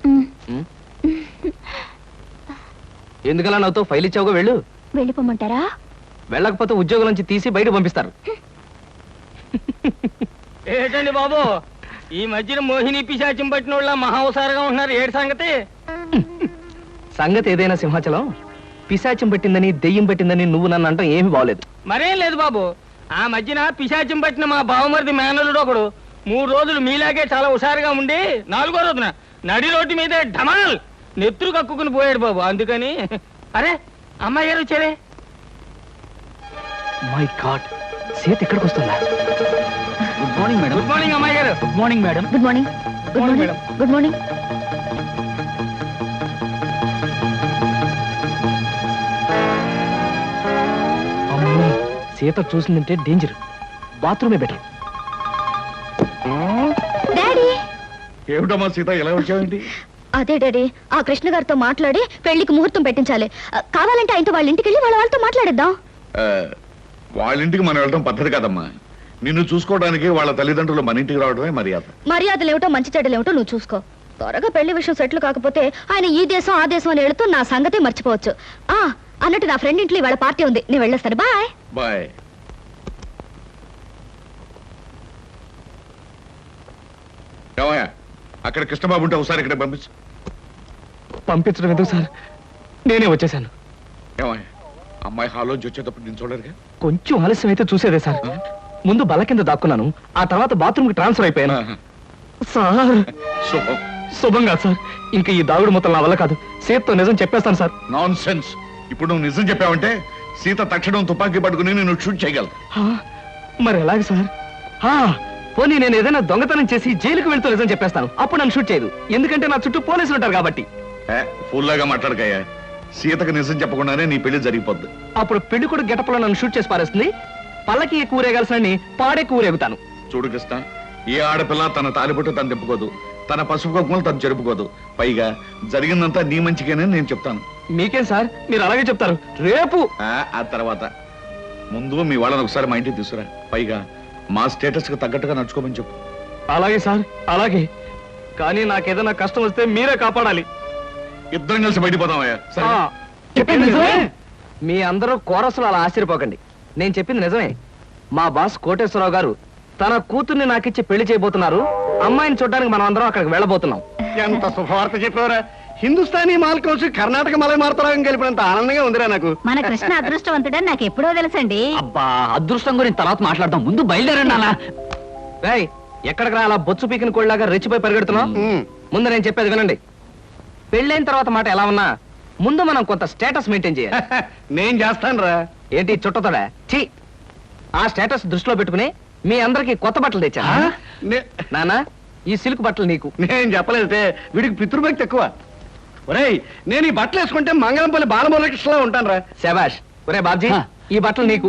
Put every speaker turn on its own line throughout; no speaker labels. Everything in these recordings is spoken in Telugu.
ఎందుకలా నాతో ఫైల్ ఇచ్చావుగా వెళ్ళు.
వెళ్ళిపోమంటారా?
వెళ్ళకపోతే ఉద్యోగం నుంచి తీసి బయట పంపిస్తారు.
ఏంటండి బాబు, ఈ మధ్యన మోహిని పిశాచం పట్టిన వాళ్ళ మహావసారగా ఉంటున్నారు. ఏడు సంగతి?
సంగతి ఏదైనా సింహాచలం, పిశాచం పెట్టిందని దెయ్యం పెట్టిందని నువ్వు నన్ను అంటాం ఏమి బాగలేదు.
మరేం లేదు బాబు, ఆ మధ్యన పిశాచం పట్టిన మా బావమరిది మేనలుడు ఒకడు 3 రోజులు మీలాగే చాలా హుషారుగా ఉండి 4వ రోజున నడి రోడ్డు మీద ఢమాల్ నెత్తురు కక్కుకుని పోయాడు బాబు. అందుకని అరే అమ్మాయి గారు వచ్చారే.
మై గాడ్, సీత ఎక్కడికి వస్తుందా?
Good morning madam.
Good morning అమ్మాయి గారు.
Good morning madam.
Good morning. Good morning madam. Good morning.
అమ్మో, సీత చూసిందంటే డేంజర్. బాత్రూమే బెటర్.
డాడీ.
ఏమిటమ్మా సీత, ఎలా వచ్చావేంటి?
అదే డాడీ, ఆ కృష్ణ గారితో మాట్లాడి పెళ్లికి ముహూర్తం పెట్టించాలి. కావాలంటే ఆయనతో వాళ్ళ ఇంటికి వెళ్ళి వాళ్ళతో మాట్లాడేద్దాం.
వాళ్ళ ఇంటికి మనం వెళ్ళడం పద్ధతి కాదమ్మా. నిన్ను చూసుకోవడానికి వాళ్ళ తల్లిదండ్రులు మన ఇంటికి రావడమే మర్యాద.
మర్యాదలేమిటో మంచి చెడ్డలేమిటో నువ్వు చూసుకో. త్వరగా పెళ్లి విషయం సెటిల్ కాకపోతే ఆయన ఈ దేశం ఆ దేశం అని వెళుతూ నా సంగతే మర్చిపోవచ్చు. అన్నట్టు నా ఫ్రెండ్ ఇంట్లో వాళ్ళ పార్టీ ఉంది, నేను వెళ్ళొస్తాను. Bye
bye. ఏమయ్యా, అక్కడ కృష్ణబాబు ఉంటే ఒకసారి ఇక్కడ పంపించు.
పంపించడం ఎందుకు సార్, నేనే వచ్చేసాను.
ఏమయ్యా, అమ్మాయి హాల్లోంచి వచ్చేటప్పుడు నేను చూడరుగా?
కొంచెం ఆలస్యం అయితే చూసేదే సార్. ముందు బల్ల కింద దాక్కున్నాను, ఆ తర్వాత బాత్రూమ్ కి ట్రాన్స్ఫర్ అయిపోయాను. సార్
శుభం.
శుభంగా సార్, ఇంకా ఈ దాగుడు మొత్తం నా వల్ల కాదు. సీతతో నిజం చెప్పేస్తాను సార్.
Non sense. ఇప్పుడు నువ్వు నిజం చెప్పావంటే సీత తక్షణం తుపాకీ పట్టుకుని నేను షూట్ చేయగలను.
మరి ఎలాగ సార్? పోనీ నేను ఏదైనా దొంగతనం చేసి జైలుకు వెళ్తూ నిజం చెప్పేస్తాను, అప్పుడు నన్ను షూట్ చేయదు. ఎందుకంటే నా చుట్టూ పోలీసులు ఉంటారు కాబట్టి.
ఫుల్లాగా మాట్లాడకయ్యా. సీతకు నిజం చెప్పకుండానే నీ పెళ్లి జరిగిపోద్ది.
అప్పుడు పెళ్లి కూడా గెటప్లో నన్ను షూట్ చేసి పారేస్తుంది. పల్లకి కూరేగాల్సిన పాడే కూరేగుతాను.
చూడు కృష్ణ, ఏ ఆడపిల్ల తన తాలిబొట్టు తను తెంపుకోదు, తన పసుపు కుంకుమలు తను జరుపుకోదు. పైగా జరిగిందంతా నీ మంచిగానే నేను చెప్తాను.
మీకేం సార్, మీరు అలాగే చెప్తారు. రేపు
ఆ తర్వాత ముందు మీ వాళ్ళని ఒకసారి మా ఇంటికి తీసుకురా. పైగా మా స్టేటస్ కు తగ్గట్టుగా నడుచుకోమని చెప్పు.
అలాగే సార్, అలాగే. కానీ నాకేదైనా కష్టం వస్తే మీరే కాపాడాలి.
ఇద్దరం కలిసి బయటపోదామయ్యా.
మీ అందరూ కోరసులు అలా ఆశ్చర్యపోకండి. నేను చెప్పింది నిజమే. మా బాస్ కోటేశ్వరరావు గారు తన కూతుర్ని నాకిచ్చి పెళ్లి చేయబోతున్నారు. అమ్మాయిని చూడడానికి మనం అందరం అక్కడికి వెళ్ళబోతున్నాం.
ఎంత శుభవార్త చెప్పారా! హిందుస్థానీ మాల్ కౌన్సి కర్ణాటక మలై మార్తరాగం కలిపినంత ఆనందంగా ఉందిరా నాకు.
మన కృష్ణ అదృష్టవంతుడని నాకు ఎప్పుడో తెలుసండి.
అబ్బా, అదృష్టం గురించి తర్వాత మాట్లాడదాం, ముందు బయలుదేరండి అలా.
ఎక్కడికి రా అలా బొచ్చు పీకిన కోళ్ళలాగా రెచ్చిపోయి పరిగెడుతున్నాం? ముందు నేను చెప్పేది వినండి. పెళ్ళైన తర్వాత మాట ఎలా ఉన్నా ముందు మనం కొంత స్టేటస్ మెయింటైన్ చేయాలి.
నేను చేస్తాను రా.
ఏంటి చుట్టతోడా? ఛీ! ఆ స్టేటస్ దృష్టిలో పెట్టుకుని మీ అందరికి కొత్త బట్టలు తెచ్చా. నానా, ఈ సిల్క్ బట్టలు నీకు.
నేను చెప్పలేదే, వీడికి పితృభక్తి ఎక్కువ. ఒరేయ్, నేను ఈ బట్టలు వేసుకుంటే మంగళంపల్లి బాలమురకృష్ణలా ఉంటాను రా.
శబాష్. ఒరే బాబ్జీ, ఈ బట్టలు నీకు.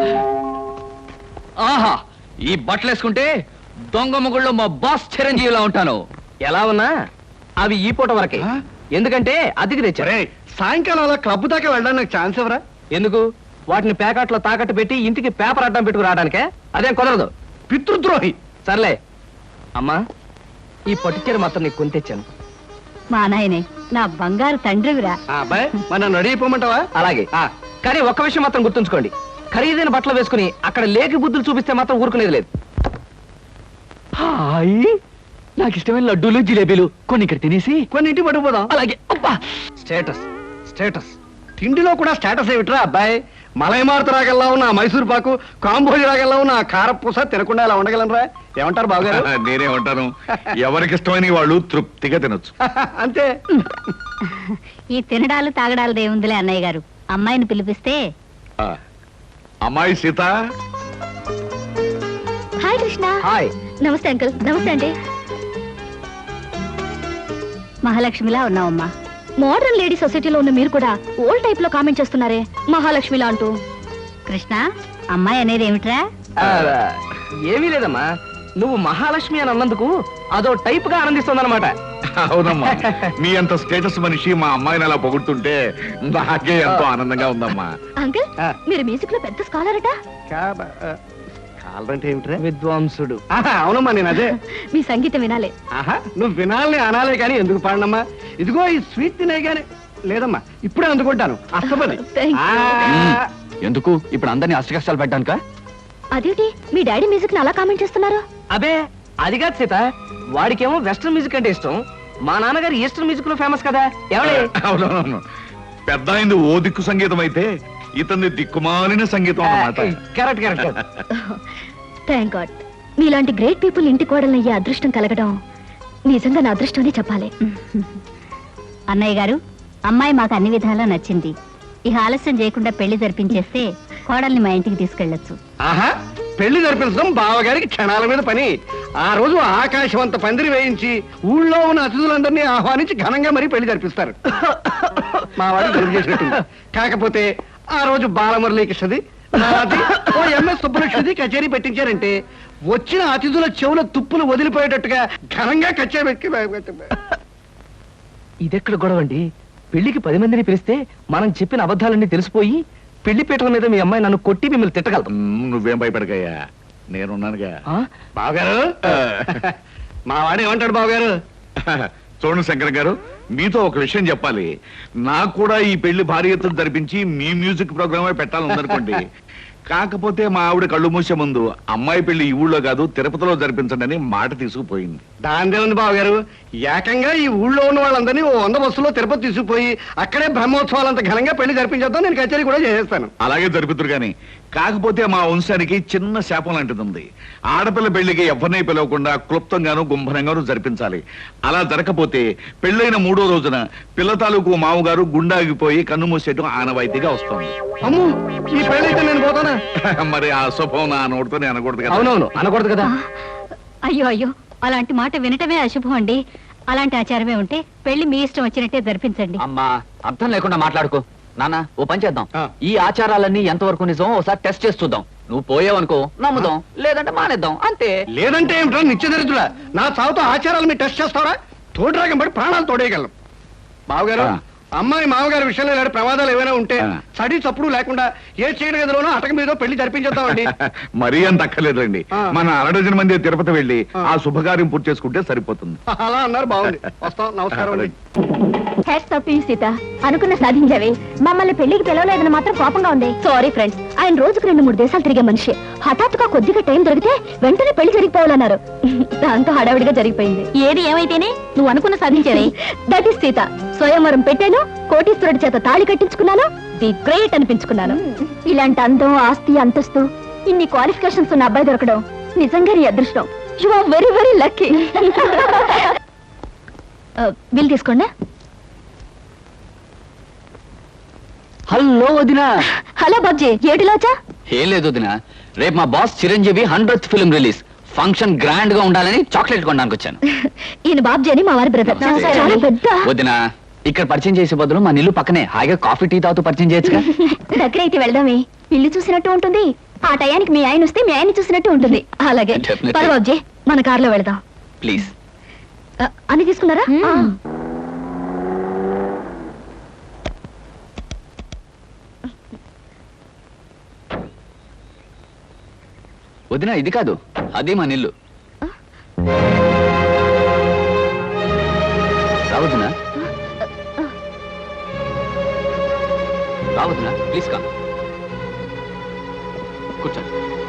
ఆహా, ఈ బట్టలు వేసుకుంటే దొంగ మొగుళ్ళో మా బాస్ చిరంజీవిలా ఉంటాను.
ఎలా ఉన్నా అవి ఈ పూట వరకే. ఎందుకంటే అద్దెకి తెచ్చారు.
సాయంకాలం అలా క్లబ్ దాకా వెళ్ళడానికి నాకు ఛాన్స్ ఎవరా?
ఎందుకు? వాటిని ప్యాకెట్లో తాకట్టు పెట్టి ఇంటికి పేపర్ అడ్డం పెట్టుకు రావడానికే. అదేం కుదరదు.
పితృద్రోహి.
సర్లే అమ్మా, ఈ పట్టుచీర మాత్రం నీకు కొని తెచ్చాను.
మా నాయనే, నా బంగారు తండ్రివిరా.
అబ్బాయి, మన నడిపోమంటావా?
అలాగే. కానీ ఒక్క విషయం మాత్రం గుర్తుంచుకోండి, ఖరీదైన బట్టలు వేసుకుని అక్కడ లేకి బుద్ధులు చూపిస్తే మాత్రం ఊరుకునేది లేదు.
హాయ్, నాకు ఇష్టమైన లడ్డూలు జిలేబీలు కొన్ని ఇక్కడ తినేసి
కొన్ని ఇంటికి పట్టుకుపోదాం.
అలాగే. అబ్బా,
స్టేటస్ స్టేటస్.
తిండిలో కూడా స్టేటస్ ఏమిట్రా అబ్బాయి? మలైమారుత రాగల్లా ఉన్న మైసూర్ పాకు, కాంబోజ్ రాగల్లా ఉన్న కారపూస తినకుండా ఇలా ఉండగలనరా? ఏమంటారు బావగారు?
నేనే ఉంటాను. ఎవరికి ఇష్టమైన వాళ్ళు తృప్తిగా తినొచ్చు.
అంతే.
ఈ తినడాలు తాగడాలు దేవుందిలే అన్నయ్య గారు. అమ్మాయిని పిలిపిస్తే.
అమ్మాయి సీత.
హాయ్ కృష్ణ.
హాయ్.
నమస్తే అంకుల్. నమస్తే అండి. మహాలక్ష్మిలా ఉన్నావమ్మా. మోడర్న్ లేడీ సొసైటీలో ఉన్న మీరు కూడా ఓల్డ్ టైప్ లో కామెంట్ చేస్తున్నారే మహాలక్ష్మిలా అంటూ. కృష్ణ, అమ్మాయి అనేది ఏమిట్రా?
ఏమీ లేదమ్మా, నువ్వు మహాలక్ష్మి అని అన్నందుకు అదో టైప్ గా ఆనందిస్తుందన్నమాట.
అవునమ్మా, మీ అంత స్టేటస్ మనిషి మా అమ్మాయిని అలా పొగుడుతుంటే నాకే ఎంతో ఆనందంగా ఉందమ్మా.
అంకుల్, మీరు మ్యూజిక్ లో పెద్ద స్కాలర్ అట.
ఆల్రంటే ఏమిట్రా?
విద్వాంసుడు.
ఆహా, అవునమ్మా నేను అదే.
మీ సంగీతం వినాలి.
ఆహా, నువ్వు వినాలని అనాలే కానీ ఎందుకు పాడనమ్మా? ఇదిగో ఈ స్వీట్ తినే గానీ లేదమ్మా, ఇప్పుడే అందుకుంటాను. అస్తపది.
Thank you.
ఎందుకు ఇప్పుడు అందరినీ అష్ట కష్టాలు పెట్టడానికా?
అదేంటి మీ డాడీ మ్యూజిక్ ని అలా కామెంట్ చేస్తున్నారు?
అబే అది కాదు సీత, వాడికేమో వెస్ట్రన్ మ్యూజిక్ అంటే ఇష్టం, మా నాన్నగారు ఈస్టర్న్ మ్యూజిక్ లో ఫేమస్ కదా. ఏమండి?
అవునవును, పెద్ద అయింది ఓ దిక్కు సంగీతం అయితే ఇతని దిక్కుమాలిన సంగీతం అన్నమాట.
Correct correct.
థ్యాంక్ గాడ్, మీలాంటి గ్రేట్ పీపుల్ ఇంటి కోడలు అయ్యే అదృష్టం కలగడం నిజంగా నా అదృష్టం అని చెప్పాలి.
అన్నయ్య గారు, అమ్మాయి మాకు అన్ని విధాలా నచ్చింది. ఇక ఆలస్యం చేయకుండా పెళ్లి జరిపించేస్తే కోడల్ని మా ఇంటికి తీసుకెళ్లొచ్చు.
ఆహా, పెళ్లి జరిపించడం బావగారికి క్షణాల మీద పని. ఆ రోజు ఆకాశం అంత పందిరి వేయించి ఊళ్ళో ఉన్న అతిథులందరినీ ఆహ్వానించి ఘనంగా మరీ పెళ్లి జరిపిస్తారు. మా వాడు జరుపు చేసినట్టుంది. కాకపోతే ఆ రోజు బాలమురళీకృష్ణది, నాది, ఓ ఎంఎస్ సుబ్బలక్ష్మిది కచేరీ పెట్టించారంటే వచ్చిన అతిథుల చెవుల తుప్పులు వదిలిపోయేటట్టుగా ఘనంగా కచేరీ పెట్టి
ఇదెక్కడ గొడవ అండి? పెళ్లికి 10 మందిని పిలిస్తే మనం చెప్పిన అబద్ధాలన్నీ తెలిసిపోయి పెళ్లి పీటల మీద మీ అమ్మాయి నన్ను కొట్టి మిమ్మల్ని తిట్టగలదు.
నువ్వేం భయపడకయ్యా, నేనున్నానుగా.
బావగారు, మా వాడు ఏమంటాడు బావగారు?
చూడండి శంకర్ గారు, మీతో ఒక విషయం చెప్పాలి. నాకు కూడా ఈ పెళ్లి భారీ ఎత్తున జరిపించి మీ మ్యూజిక్ ప్రోగ్రామే పెట్టాలనుకోండి. కాకపోతే మా ఆవిడ కళ్ళు మూసే ముందు అమ్మాయి పెళ్లి ఈ ఊళ్ళో కాదు తిరుపతిలో జరిపించండి అని మాట తీసుకుపోయింది.
దాందే ఉంది బావగారు, ఏకంగా ఈ ఊళ్ళో ఉన్న వాళ్ళందరినీ ఓ 100 బస్సులో తిరుపతి తీసుకుపోయి అక్కడే బ్రహ్మోత్సవాలంత ఘనంగా పెళ్లి జరిపించేద్దాం, నేను కచేరీ కూడా చేసేస్తాను.
అలాగే జరుపుతురు గాని, కాకపోతే మా వంశానికి చిన్న శాపం లాంటిది ఉంది. ఆడపిల్ల పెళ్లికి ఎవరిని పిలవకుండా క్లుప్తంగాను గుంభనంగాను జరిపించాలి. అలా జరగకపోతే పెళ్ళైన 3వ రోజున పిల్ల తాలూకు మామగారు గుండాగిపోయి కన్ను మూసేయటం ఆనవాయితీగా వస్తుంది.
అమ్ము, ఈ పెళ్ళైతే నేను పోతానా?
మరి ఆ శుభం నా నోటితో అనకూడదు కదా.
అవునవును, అనకూడదు కదా.
అయ్యో అయ్యో, అలాంటి మాట వినటమే అశుభం అండి. అలాంటి ఆచారమే ఉంటే పెళ్లి మీ ఇష్టం వచ్చినట్టే జరిపించండి.
అమ్మా, అర్థం లేకుండా మాట్లాడుకో. నాన్న, ఓ పని చేద్దాం.
ఆ.
ఈ ఆచారాలన్నీ ఎంతవరకు నిజం ఒకసారి టెస్ట్ చేసి చూద్దాం. నువ్వు పోయావనుకో నమ్ముదాం, లేదంటే మానేద్దాం, అంతే.
లేదంటే ఏమిటో నిత్యదరిద్రుడా, నా చావుతో ఆచారాలు మీరు టెస్ట్ చేస్తారా? తోడురాగం పడి ప్రాణాలు తోడేయగలం. బావగారు,
ఆ.
అమ్మాయి మామగారి విషయంలో ఇలాంటి ప్రమాదాలు ఏమైనా ఉంటే
ఆ.
చడి చప్పుడు లేకుండా ఏ చీకటి గదిలోనో అటక మీదో పెళ్లి జరిపించేద్దామండి.
మరీ అంత అక్కర్లేదండి.
ఆ.
మన 6 మంది తిరుపతి వెళ్ళి
ఆ.
ఆ శుభకార్యం పూర్తి చేసుకుంటే సరిపోతుంది.
అలా అన్నారు, బాగుంది. వస్తాం, నమస్కారం అండి.
హ్యాట్స్ ఆఫ్ యూ సీత, అనుకున్న సాధించావే. మమ్మల్ని పెళ్లికి పిలవలేదని మాత్రం కోపంగా ఉంది. సారీ ఫ్రెండ్స్, ఆయన రోజుకు 2-3 దేశాలు తిరిగే మనిషి. హఠాత్తుగా కొద్దిగా టైం దొరికితే వెంటనే పెళ్లి జరిగిపోవాలన్నారు. దాంతో హడావిడిగా జరిగిపోయింది. ఏది ఏమైతేనే నువ్వు అనుకున్న సాధించావే. That is Sita. స్వయంవరం పెట్టాను, కోటీశ్వరుడి చేత తాళి కట్టించుకున్నాను, ది గ్రేట్ అనిపించుకున్నాను. ఇలాంటి అందం, ఆస్తి, అంతస్తు, ఇన్ని క్వాలిఫికేషన్స్ ఉన్న అబ్బాయి దొరకడం నిజంగా నీ అదృష్టం. You are very very lucky. Bill తీసుకోండి.
హలో వదినా.
హలో బాబ్జీ, ఏటిలో వచ్చా?
ఏం లేదు వదినా, రేపు మా boss Chiranjeevi 100th film release. Function grand గా ఉండాలని చాక్లెట్ కొనడానికి వచ్చాను.
ఈయన బాబ్జీ అని మా వారి బ్రదర్.
నమస్తే.
చాలా పెద్ద.
వదినా, ఇక్కడ పరిచయం చేసే బదులు మా నిల్లు పక్కనే హాయిగా కాఫీ టీ తాగుతూ పరిచయం చేయొచ్చుగా.
దగ్గర అయితే వెళ్దామే, ఇల్లు చూసినట్టు ఉంటుంది. ఆ టయానికి మీ ఆయన వస్తే మీ ఆయన చూసినట్టు ఉంటుంది. అలాగే
Definitely.
పద బాబ్జీ, మన కార్లో వెళదాం.
ప్లీజ్.
అన్ని తీసుకున్నారా?
వదినా, ఇది కాదు, అది మా నిల్లు. రావద్దునా? రావద్దునా, ప్లీజ్ కా కూర్చోండి.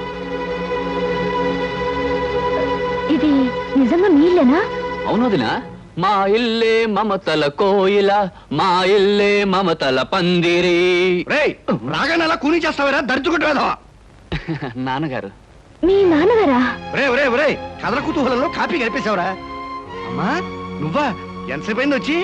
ఇది నిజంగా మీ ఇల్లేనా?
అవును వదినా, మా ఇల్లే మమతల కోయిల, మా ఇల్లే మమతల పందిరి.
రేయ్, రాగానే అలా కూని చేస్తావేరా, దర్చుకుంటూ వేదావా?
నాన్నగారు.
మీ నాన్నగారా?
రే, కథల కుతూహలంలో కాపీ గడిపేశావురా. అమ్మా, నువ్వా? ఎంతసేపు అయింది వచ్చి?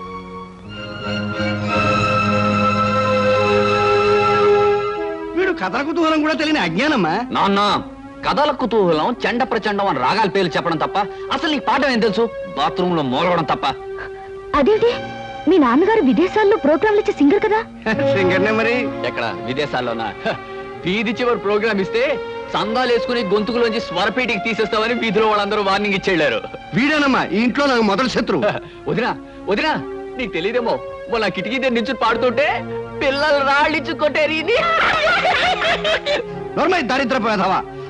వీడు కథల కుతూహలం కూడా తెలియని అజ్ఞానమ్మా.
నాన్న, కథల కుతూహలం చెండ ప్రచండం అని రాగాల పేర్లు చెప్పడం తప్ప అసలు నీకు పాఠం ఏం తెలుసు? బాత్రూమ్ లో మూలవడం తప్ప.
అదేంటి, మీ నాన్నగారు విదేశాల్లో ప్రోగ్రాంలు ఇచ్చే సింగర్ కదా?
సింగర్నే మరి.
ఎక్కడ విదేశాల్లోనా? వీధి చివరి ప్రోగ్రామ్ ఇస్తే సందాలు వేసుకుని గొంతుకులోంచి స్వరపేటికి తీసేస్తామని వీధిలో వాళ్ళందరూ వార్నింగ్ ఇచ్చేళ్లారు.
వీడేనమ్మా ఈ ఇంట్లో నాకు మొదటి శత్రువు.
వదినా వదినా, నీకు తెలియదేమో, మొన్న కిటికీ దగ్గర నుంచి పాడుతుంటే పిల్లలు రాళ్ళించు కొట్టేరి.
నోర్మై దరిద్రపు వేధవా,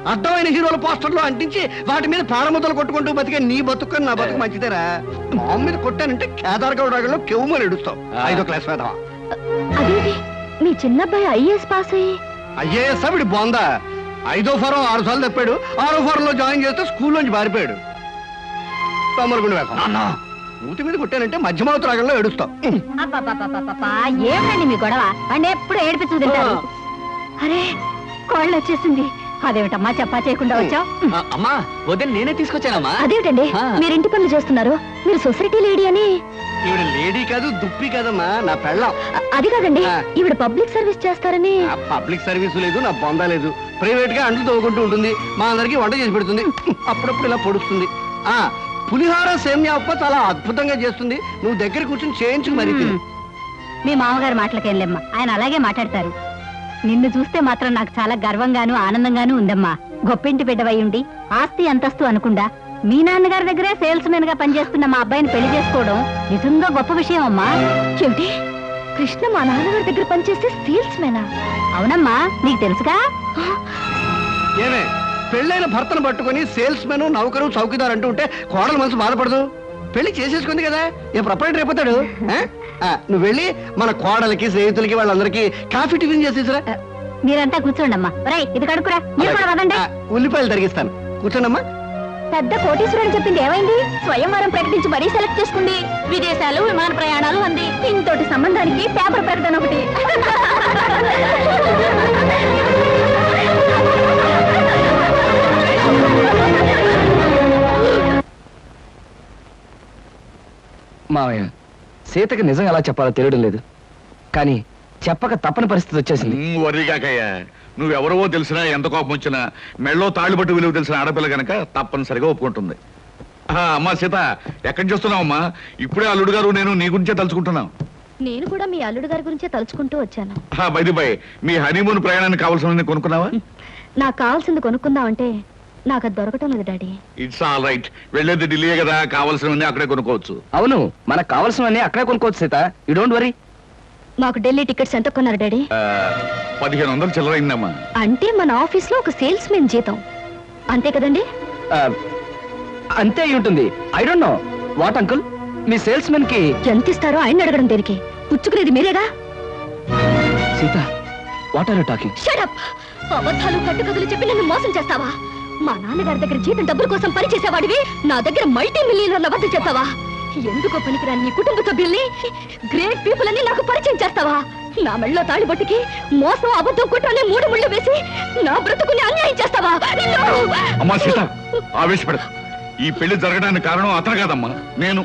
అడ్డమైన హీరోల పోస్టర్లు అంటించి వాటి మీద ప్రాణముద్దలు కొట్టుకుంటూ బతికే నీ బతుకు నా బతుకు మంచిదేరా. మామూలు మీద కొట్టానంటే కేదార్గౌడ్ రాగంలో కెవ్వుమని ఎడుస్తావు. 5వ క్లాస్ వేదవా.
అదేంటి మీ చిన్నబ్బాయి ఐఏఎస్ పాస్ అయ్యి
ఐఏఎస్ వీడి బోందా. 5వ ఫారం 6 సార్లు తప్పాడు. 6వ ఫారం లో జాయిన్ చేస్తే స్కూల్లోంచి పారిపోయాడు. తొమ్మలగుండి వేసం ఊటి మీద కొట్టానంటే మధ్యమావతి రాగంలో ఏడుస్తావు.
ఏమిటండి మీ గొడవ? అంటే ఎప్పుడు ఏడిపించు తింటారు. అరే కోళ్ళు వచ్చేసింది. అదేమిటమ్మా చెప్పా చేయకుండా వచ్చావు?
అమ్మా వదిన నేనే తీసుకొచ్చానమ్మా.
అదేమిటండి మీరు ఇంటి పనులు చేస్తున్నారు? మీరు సొసైటీ లేడీ అని.
ఈవిడ లేడీ కాదు దుప్పి కాదమ్మా, నా పెళ్ళం.
అది కాదండి ఈవిడ పబ్లిక్ సర్వీస్ చేస్తారని.
పబ్లిక్ సర్వీస్ లేదు, నా బొందా లేదు. ప్రైవేట్ గా అంట్లు తవ్వుకుంటూ ఉంటుంది. మా అందరికి వంట చేసి పెడుతుంది. అప్పుడప్పుడు ఇలా పొడుస్తుంది. పులిహార సేమ్యా ఉప్ప చాలా అద్భుతంగా చేస్తుంది. నువ్వు దగ్గర కూర్చొని చేయించుకు మరి తిను.
మీ మామగారు మాటలకేంలేమ్మా, ఆయన అలాగే మాట్లాడతారు. నిన్ను చూస్తే మాత్రం నాకు చాలా గర్వంగాను ఆనందంగాను ఉందమ్మా. గొప్పింటి బిడ్డవై ఉండి ఆస్తి అంతస్తు అనుకుండా మీ నాన్నగారి దగ్గరే సేల్స్ మెన్ గా పనిచేస్తున్న మా అబ్బాయిని పెళ్లి చేసుకోవడం నిజంగా గొప్ప విషయం అమ్మా.
ఏమిటి కృష్ణ మా నాన్నగారి దగ్గర పనిచేస్తే సేల్స్ మెనా?
అవునమ్మా, నీకు తెలుసుగా.
ఏమే పెళ్ళైన భర్తను పట్టుకుని సేల్స్ మెన్ నౌకరు చౌకీదార్ అంటూ ఉంటే కోడలు మనసు బాధపడదు. పెళ్లి చేసేసుకుంది కదా, ఏ ప్రపంచం రేపుతాడు. నువ్వు వెళ్ళి మన కోడలకి స్నేహితులకి వాళ్ళందరికీ కాఫీ టిఫిన్ చేసేసరా.
మీరంతా కూర్చోండమ్మా. ఒరేయ్ ఇది కడుకురా. మీరు కూడా వదండి.
ఉల్లిపాయలు తరిగిస్తాను, కూర్చోండమ్మా.
పెద్ద కోటీశ్వరుడు చెప్పింది ఏమైంది? స్వయంవరం ప్రకటించి మరీ సెలెక్ట్ చేసుకుంది. విదేశాలు విమాన ప్రయాణాలు అంది. ఇంతటి సంబంధానికి పేపర్ ప్రకటన ఒకటి.
మావయ్య సీతకి నిజం ఎలా చెప్పాలో తెలియడం లేదు, కానీ చెప్పక తప్పని పరిస్థితి వచ్చేసింది.
వరిగాకయ్యా, నువ్వెవరవో తెలిసినా ఎంత కోపం వచ్చినా మెళ్ళో తాళ్ళుబట్టు విలువ తెలిసిన ఆడపిల్ల గనక తప్పనిసరిగా ఒప్పుకుంటుంది. అమ్మా సీత, ఎక్కడి చూస్తున్నావమ్మా? ఇప్పుడే అల్లుడు గారు నేను నీ గురించే తలుచుకుంటున్నాం.
నేను కూడా మీ అల్లుడు గారి గురించే తలుచుకుంటూ వచ్చాను.
బైది బై, మీ హనీమూన్ ప్రయాణానికి కావాల్సిన కొనుక్కున్నావా?
నాకు కావాల్సింది కొనుక్కుందామంటే నాకు అది దొరకటం లేదు డాడీ.
ఇట్స్ ఆల్ రైట్, వెళ్ళేది ఢిల్లీయే కదా, కావాల్సినవన్నీ అక్కడే కొనుక్కోవచ్చు.
అవును, మనకు కావాల్సినవన్నీ అక్కడే కొనుక్కోవచ్చు సీత, యూ డోంట్ వరీ.
మాకు ఢిల్లీ టికెట్స్ ఎంత కొన్నారు డాడీ?
1500 చిల్లరైందమ్మా.
అంటే మన ఆఫీస్ లో ఒక సేల్స్ మెన్ జీతం అంతే కదండి?
అంతే అయి ఉంటుంది. I don't know what uncle, మీ సేల్స్ మెన్ కి
ఎంత ఇస్తారో ఆయన అడగడం దేనికి? పుచ్చుకునేది మీరేగా.
Sita, what are you talking?
Shut up! అబద్ధాలు కట్టుకథలు చెప్పి నన్ను మోసం చేస్తావా? మా నాన్నగారి దగ్గర జీతం డబ్బుల కోసం పనిచేసేవాడివి నా దగ్గర మల్టీ మిలియనర్ల వద్ద చేస్తావా? ఎందుకో పనికిరాని నీ కుటుంబ సభ్యుల్ని, గ్రేట్ పీపుల్ అని నాకు పరిచయం చేస్తావా? నా మెళ్ళలో తాళిబొట్టుకి మోసం అబద్ధం కుట్రనే 3 ముళ్ళు వేసి నా బ్రతుకుని అన్యాయం చేస్తావా?
అమ్మా సీత, ఆవేశపడ. ఈ పెళ్లి జరగడానికి కారణం అతను కాదమ్మా, నేను.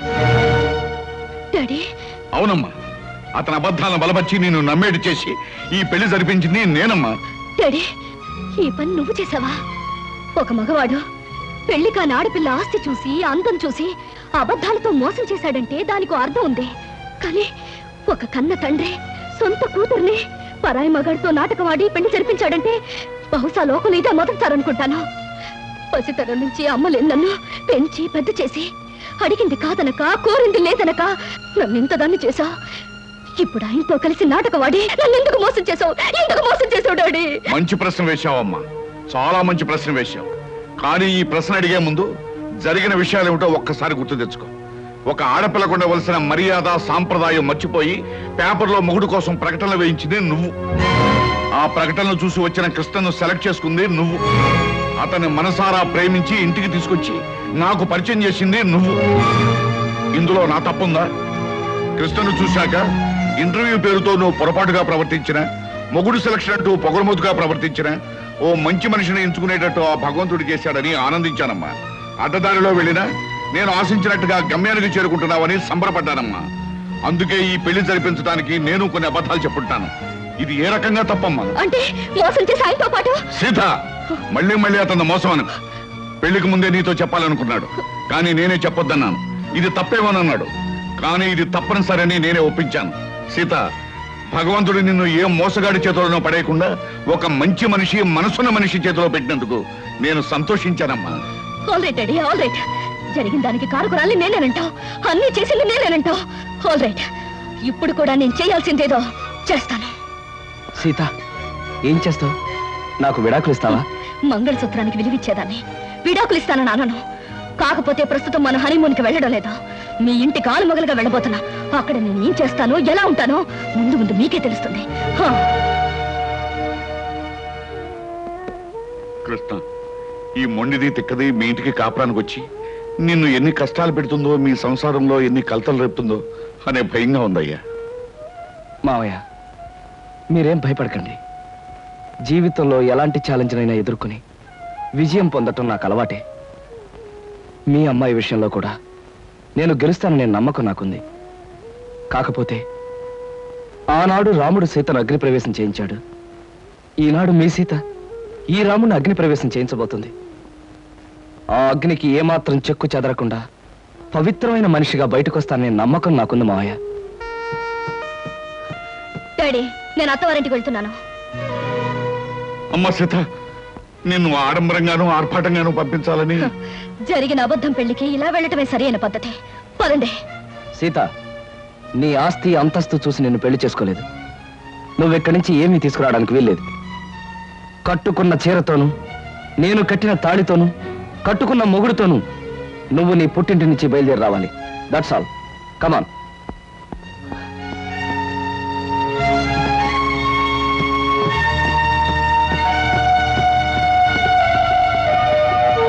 డాడీ.
అవునమ్మా, అతని అబద్ధాలను బలపరిచి నేను నమ్మేటి చేసి ఈ పెళ్లి జరిపించింది నేనమ్మా.
డాడీ, ఈ పని నువ్వు చేసావా? ఒక మగవాడు పెళ్లి కాని ఆడపిల్ల ఆస్తి చూసి అందం చూసి అబద్ధాలతో మోసం చేశాడంటే దానికి అర్థం ఉంది. కానీ ఒక కన్న తండ్రి సొంత కూతుర్ని పరాయి మగాడితో నాటకవాడి పెళ్లి జరిపించాడంటే బహుశా లోకం ఇదే మొదటిసారనుకుంటాను. పసితరం నుంచి అమ్మలేని నన్ను పెంచి పెద్ద చేసి అడిగింది కాదనక కోరింది లేదనక నన్ను ఇంతదాన్ని చేశావు. ఇప్పుడు ఆయనతో కలిసి నాటకవాడి నన్ను ఎందుకు మోసం చేశావు? ఎందుకు మోసం చేశావు డాడీ?
మంచి ప్రశ్న వేశావమ్మా, చాలా మంచి ప్రశ్న వేశావు. కానీ ఈ ప్రశ్న అడిగే ముందు జరిగిన విషయాలు ఏమిటో ఒక్కసారి గుర్తు తెచ్చుకో. ఒక ఆడపిల్లకు ఉండవలసిన మర్యాద సాంప్రదాయం మర్చిపోయి పేపర్లో మొగుడు కోసం ప్రకటనలు వేయించింది నువ్వు. ఆ ప్రకటనలు చూసి వచ్చిన కృష్ణను సెలెక్ట్ చేసుకుంది నువ్వు. అతన్ని మనసారా ప్రేమించి ఇంటికి తీసుకొచ్చి నాకు పరిచయం చేసింది నువ్వు. ఇందులో నా తప్పుందా? కృష్ణను చూశాక ఇంటర్వ్యూ పేరుతో నువ్వు పొరపాటుగా ప్రవర్తించిన, మొగుడు సెలక్షన్ అంటూ పొగరమోతుగా ప్రవర్తించిన, ఓ మంచి మనిషిని ఎంచుకునేటట్టు ఆ భగవంతుడు చేశాడని ఆనందించానమ్మా. అడ్డదారిలో వెళ్ళినా నేను ఆశించినట్టుగా గమ్యానికి చేరుకుంటున్నావని సంబరపడ్డానమ్మా. అందుకే ఈ పెళ్లి జరిపించడానికి నేను కొన్ని అబద్ధాలు చెప్పుంటాను. ఇది ఏ రకంగా తప్పమ్మా?
అంటే మోసం చేసి ఆయనతో పాటు
సీత, మళ్ళీ మళ్ళీ అతను మోసం అను. పెళ్లికి ముందే నీతో చెప్పాలనుకున్నాడు, కానీ నేనే చెప్పొద్దన్నాను. ఇది తప్పేమోనన్నాడు, కానీ ఇది తప్పనిసరని నేనే ఒప్పించాను. సీత, భగవంతుడు నిన్ను ఏ మోసగాడి చేతిలోనో పడేయకుండా ఒక మంచి మనిషి, మనసున్న మనిషి చేతిలో పెట్టినందుకు నేను సంతోషించానమ్మా.
All right daddy, all right. జరిగిన దానికి కారుకురాలి నేనేనంటావు, అన్ని చేసింది నేనేనంటావు. ఆల్ రైట్, ఇప్పుడు కూడా నేను చేయాల్సిందేదో చేస్తాను.
సీత, ఏం చేస్తావు? నాకు విడాకులు ఇస్తావా?
మంగళసూత్రానికి విలువిచ్చేదాన్ని. విడాకులు ఇస్తానని అనను. కాకపోతే ప్రస్తుతం మన హనీమూన్కి వెళ్ళడం లేదా. మీ ఇంటి కాలు మొగలుగా వెళ్ళబోతున్నా. అక్కడ నేను ఏం చేస్తానో ఎలా ఉంటానో ముందు ముందు మీకే తెలుస్తుంది.
కృష్ణ, ఈ మొండిది తిక్కది మీ ఇంటికి కాపురానికి వచ్చి నిన్ను ఎన్ని కష్టాలు పెడుతుందో, మీ సంసారంలో ఎన్ని కలతలు రేపుతుందో అనే భయంగా ఉందయ్యా.
మావయ్య, మీరేం భయపడకండి. జీవితంలో ఎలాంటి ఛాలెంజ్నైనా ఎదుర్కొని విజయం పొందటం నాకు అలవాటే. మీ అమ్మాయి విషయంలో కూడా నేను గెలుస్తాననే నమ్మకం నాకుంది. కాకపోతే ఆనాడు రాముడు సీతను అగ్నిప్రవేశం చేయించాడు. ఈనాడు మీ సీత ఈ రాముడిని అగ్నిప్రవేశం చేయించబోతుంది. ఆ అగ్నికి ఏమాత్రం చెక్కు చెదరకుండా పవిత్రమైన మనిషిగా బయటకొస్తాననే నమ్మకం నాకుంది మావయ్య.
డాడీ, నేను అత్తవారింటికి వెళ్తున్నాను.
అమ్మ సీత, నిన్ను ఆడంబరంగాను ఆర్భాటంగాను పంపించాలని
జరిగిన అబద్ధం పెళ్లికి ఇలా వెళ్ళటమే సరైన పద్ధతి. పదండి.
సీత, నీ ఆస్తి అంతస్తు చూసి నిన్ను పెళ్లి చేసుకోలేదు. నువ్వెక్కడి నుంచి ఏమీ తీసుకురావడానికి వీల్లేదు. కట్టుకున్న చీరతోనూ, నేను కట్టిన తాళితోనూ, కట్టుకున్న మొగుడుతోనూ నువ్వు నీ పుట్టింటి నుంచి బయలుదేరి రావాలి. That's all. కమాన్.